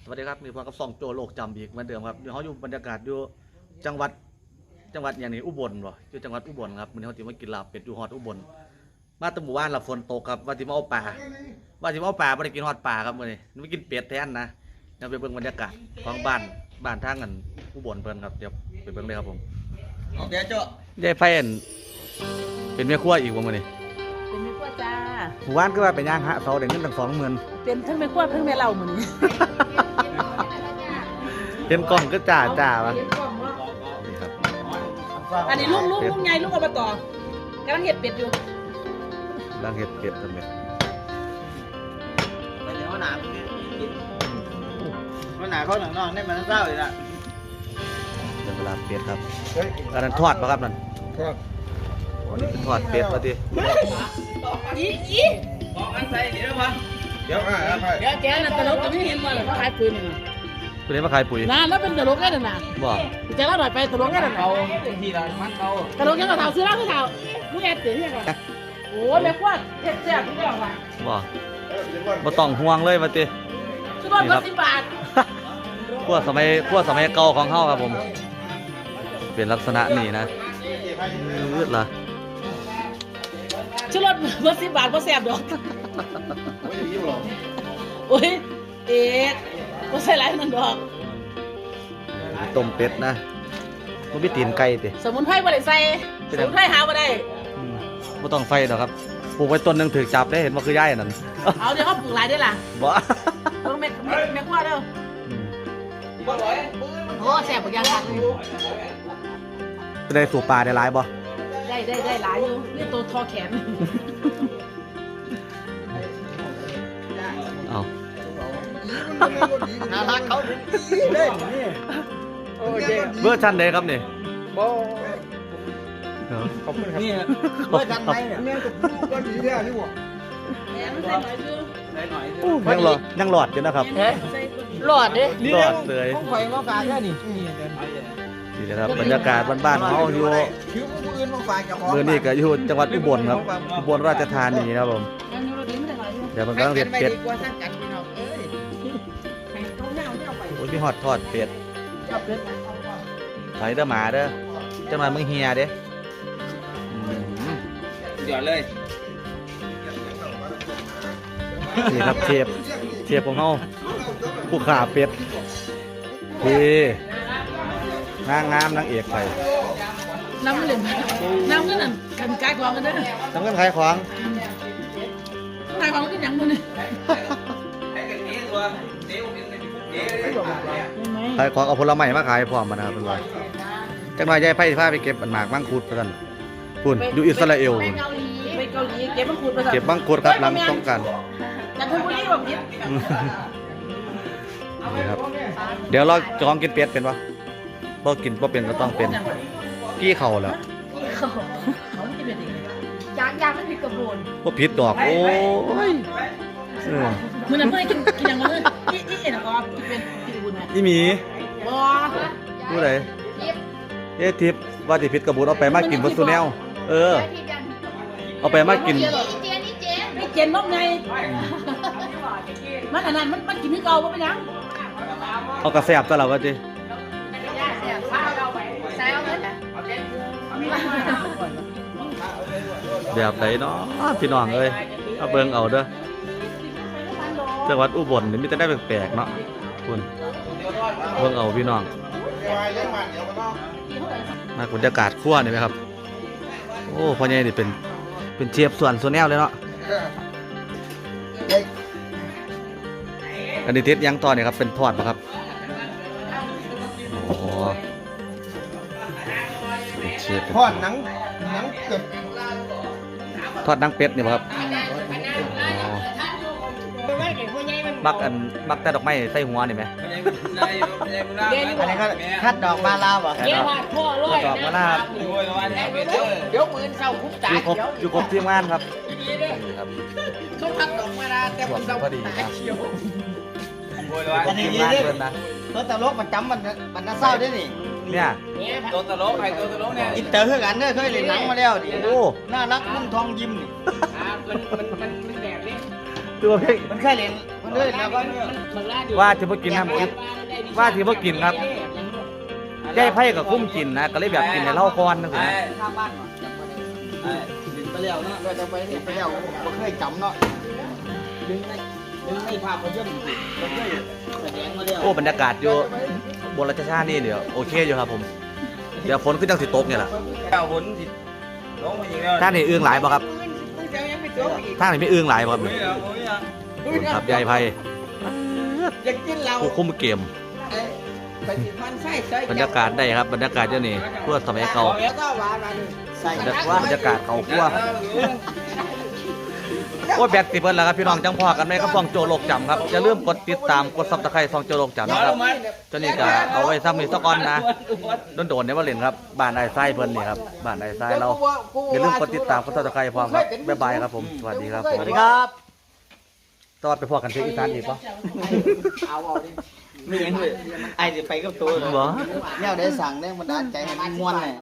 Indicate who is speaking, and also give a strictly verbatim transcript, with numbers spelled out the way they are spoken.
Speaker 1: สวัสดีครับมีพวกกับสองโจโลกจำอีกเหมือนเดิมครับเดี๋ยวเขาอยู่บรรยากาศอยู่จังหวัดจังหวัดอย่างนี้อุบลบ่อยู่จังหวัดอุบลครับวันนี้เขาจะมากินลาบเป็ดอยู่ฮอดอุบลมาตั้งหมู่บ้านหลับฝนตกครับว่าจะมาเอาปลาว่าจะมาเอาปลาไม่ได้กินฮอดปลาครับวันนี้ไม่กินเป็ดแทนนะเดี๋ยวไปเบิ่งบรรยากาศของบ้านบ้านทางกันอุบลเพิ่นครับเดี๋ยวไปเบิ่งเลยครับผม
Speaker 2: เดี๋ยวเจ้าย
Speaker 1: ายไฟอันเป็นแม่ครัวอีกวันนี้
Speaker 3: เป็นแม่ครัวจ้า
Speaker 1: หมู่บ้านก็ว่าเป็นย่างฮะเสาเด็กเงินตั้งสองหมื่น
Speaker 3: เป็นทั้งแม่ครัวทั้งแม่เล่ามื้อนี้
Speaker 1: เห็นกล้องก็จ่าจ่าวะ
Speaker 3: เห็นกล้องเนาะ
Speaker 1: นี่ครับ
Speaker 3: อันนี้ลุงลุงลุงใหญ่ลุงอบตกำลังเฮ็ดเป็ดอยู่
Speaker 1: ดังเห็ดเป็ดทำไม
Speaker 2: ไปเดี๋ยวหนาไปกินหนาเขาหนังนองได้มันเศร้าเลยล่ะ
Speaker 1: เดี๋ยวเวลาเป็ดครับอันนั้นทอดป่ะครับนั่น
Speaker 2: ครับ
Speaker 1: โอ้นี่เป็นทอดเป็ดป่ะที
Speaker 3: อีอี
Speaker 2: บอกอันใส่เดี๋ยวมาเดี๋ยวอ่ะ
Speaker 3: เดี๋ยวแกน่ะตลกก็ไม่เห็นว่าเขาขายปืนนี่
Speaker 1: คุณเห็นมาขายปุ๋ย
Speaker 3: นะแล้วเป็นตลกได้น่ะนะ
Speaker 1: บ่
Speaker 3: จะเล่าหน่อยไปตลกได้น่ะ
Speaker 2: เอาทีละมันเอา
Speaker 3: ตลกยังก็เฒ่าซื้อเหล้าคือเฒ่าผู้แอบตื่นยังไงโอ้แม่ครัวเฮ็ดแซ่บทุกอย่างว่ะ
Speaker 1: บ่บ่ต้องห่วงเลยป่ะที
Speaker 3: ชุดรถบ่สิบบาท
Speaker 1: พวกสมัยพวกสมัยเก่าของเฮาครับผม เป็นลักษณะนี้นะยืดล่ะ
Speaker 3: ชุดรถบ่สิบบาทบ่แซ่บดอกโอ้ยเอ็ดบ่ใส่หลายนั่นดอก
Speaker 1: ต้มเป็ดนะมันมีตีนไก่ติ
Speaker 3: สมุนไพรบ่ได้ใส่สมุนไพรหาบ่ได้
Speaker 1: อืมบ่ต้องไฟดอกครับปลูกไว้ต้นหนึงถือจับได้เห็นว่าคือย่ายนั่น
Speaker 3: เอาเดี๋ยวเขาปลูกหลายได้ล่ะ
Speaker 1: บ่
Speaker 3: ต้องเม็ดเม็ดเม็ดกว่าเด้อ
Speaker 1: อืม
Speaker 3: โอ้แซ่บบ่ยังคักเลย
Speaker 1: จะได้สู่ปลาได้หลายบ่
Speaker 3: ได้ได้ได้หลายอยู่นี่ตัวทอแขน
Speaker 1: เอา
Speaker 2: น่ารักเขาเล่นนี่โอ้ย
Speaker 1: เบอร์ชันใดครับนี่
Speaker 2: บอขอบคุณครับนี่เมื่อกันไหนเนี่ยเนี่ยกับลูกก็ดีแล้วนี่หว่า
Speaker 3: แหมมันใส่หน่อยคือ
Speaker 2: ไหนหน่อย
Speaker 1: ยังหลอดยังหลอดอยู่นะครับ
Speaker 3: เอ๊ะหลอดเด้
Speaker 1: หลอดเลย
Speaker 2: ต้องไฟมาฝากแค่นี่
Speaker 1: นี่นะครับบรรยากาศบ้านๆเขาอยู่
Speaker 2: คิวผู้อื่นมาฝากกับ
Speaker 1: เมื่อนี้ก็อยู่จังหวัดอุบลครับอุบลราชธานีนะครับผม
Speaker 3: ยังอยู่ระดับไม่ได้หลายอยู่
Speaker 1: เดี๋ยวมันกำลังเด็ดเป็ด
Speaker 2: กว่าสร้างกันพี่น้องเอ้ย
Speaker 3: ให้เขาเน่าเน่าไป
Speaker 1: โอ้ยพี่ฮอดทอดเป็ด
Speaker 3: ชอบเป็ด
Speaker 1: ไถเด้อหมาเด้อจังหวัดมึงเฮียเด้อืม
Speaker 2: เดี๋ยวเลย
Speaker 1: นี่ครับเชฟเชฟของเขาผู้ขาเป็ดพี่นางงามนางเอกไป
Speaker 3: น้ำมันเหลืองน้ำมันนั่นกันกายกองกันเด้อ
Speaker 1: น้ำเงินขายของ
Speaker 3: กายกองกันยังมื้อนี่
Speaker 1: ขายของเอาผลไม้มาขายพร้อมมานะครับเป็นไรจังหวะยายไผ่พาไปเก็บอันหมากมังคุดไปกันคุณอยู่อิสราเอล
Speaker 3: ไปเกาหลีไปเกาหลีเก็บมังคุดไป
Speaker 1: เก็บมังคุดครับหลังต้องกัน
Speaker 3: จันทบุรีบ่ผิด
Speaker 1: นี่ครับเดี๋ยวเราจองกินเป็ดเป็นปะพอกินพอเป็นก็ต้องเป็นกี้เข่าแล้ว
Speaker 3: เขาเขาไม่เป็นอีกยางยางมันผิดกระบวน
Speaker 1: พอผิดดอกโอ้ยเออ
Speaker 3: มื้อนั้นเมื่อกินกินยังมื้ออีอีเอ็นก็เป็นผิดกระบวนนะ
Speaker 1: อีหมี
Speaker 3: บ่
Speaker 1: ผู้ใดเอ๊ะทิพย์ว่าติผิดกระบุนเอาไปมากินบนซูแนลเออเอาไปมากิน
Speaker 3: ไม่เจนนกไงมันอันนั้นมันมันกินนี่เก่าบ่เป็นหยัง
Speaker 1: เอากระแสบตลอดว่าติแบบไหนเนาะพี่น้องเอ้ยเอาเบิ่งเอาเด้อจังหวัดอุบลนี่มีแต่ได้แปลกๆเนาะคุณเบิ่งเอาพี่น้องมาบรรยากาศครัวนี่ไหมครับโอ้พ่อใหญ่นี่เป็นเป็นเชฟส่วนโซแนลเลยเนาะอันนี้เทสยังต่อเนี่ยครับเป็นทอดป่ะครับโอ้เป็นเชฟ
Speaker 2: ทอดหนังหนังเกิด
Speaker 1: ทอดนังเป็ดนี่ป่ะครับอ๋อบักอันบักแต่ดอกไม้ใส่หัวนี่ไหม
Speaker 2: อันนี้ก็คัดดอกมาลาวอ่ะ
Speaker 3: เยี่ยมากพ่อร้อย
Speaker 1: ดอกมะนาว
Speaker 3: เดี๋ยวปืนเศร้าคุ้มตา
Speaker 1: อยู่ครบอยู่ครบทีมงานครับนี่ครับ
Speaker 3: เขาพักดอกมาลาแต่
Speaker 1: ช่วงนี้พอดีนะ
Speaker 2: อันนี้
Speaker 1: ทีม
Speaker 2: นี่
Speaker 1: งาน
Speaker 2: เนี่ย
Speaker 1: เพิ่นนะ
Speaker 2: ตัวตลกมันจำมันมันน่าเศร้าด้วยนี่
Speaker 1: เนี่ย
Speaker 2: ตัวตลกใครตัวตลกเนี่ยอินเตอร์คือกันเด้อเคยเล่นหนังมาแล้วดิ
Speaker 1: โอ้
Speaker 2: น่ารักนุ่มทองยิ้มนี่
Speaker 3: มันมันมันมันแบบนี้
Speaker 1: ตัวเพลง
Speaker 2: มันเคยเล่นมันเลยนะว่าเนี่ย
Speaker 1: ว่าที่บ่กินน้ำกินว่าที่บ่กินครับยายไผ่ก็คุ้มกินนะก็เลยแบบกินให้เล่าก่อนจังซี่นะ
Speaker 2: ข้างบ้านเนาะไอ้ดึงไปแล้วเนาะเราจะไปเห็นไปแล้วบ่เคยจำเนาะดึงในดึงในภาพยนตร์บ่เคยแสดงมาแล้ว
Speaker 1: โอ้บรรยากาศอยู่บนราชชาตินี่เดี๋ยวโอเคอยู่ครับผมเดี๋ยวฝนขึ้นจังสิตกเนี่ยแหละ
Speaker 2: เจ้าฝนสิลงมาอีกแล้ว
Speaker 1: ท่านนี่อึ้งหลายบ่ครับท่านนี่ไม่อึ้งหลายบ่ครับ
Speaker 2: ไม่เอาไม่เอา
Speaker 1: ครับยายไผ่
Speaker 2: อยากกินเรา
Speaker 1: ผู้คุมเกม
Speaker 2: ไปสิมันไส้ใส่
Speaker 1: บรรยากาศได้ครับบรรยากาศเจ้านี่เพื่อสมัยเก่า
Speaker 2: แล้วก็หวานมาเลยใส่
Speaker 1: บรรยากาศเขาคั่วโอ้แบตสิเบิดแล้วครับพี่น้องจังพอกันไหมครับฟองโจโลกจำครับอย่าลืมกดติดตามกดซับสไครต์ฟองโจโลกจำนะครับเจ้านี่ก็เอาไว้ซ้ำมีสักก้อนนะโดนๆเนี่ยว่าเล่นครับบ้านไอ้ไส้เพิ่นนี่ครับบ้านไอ้ไส้เราอย่าลืมกดติดตามกดซับสไครต์พร้อมครับบ๊ายบายครับผมสวัสดีครับสวัสดีครับตอนไปพอกันที่อีสานอีกปะ
Speaker 2: เอาเอาดิไม่ยังเลยไอ้เดี๋ยวไปกับตัวเลย
Speaker 1: บ่
Speaker 2: เนี่ยได้สั่งได้มันดานใจให้มันม่วนเลย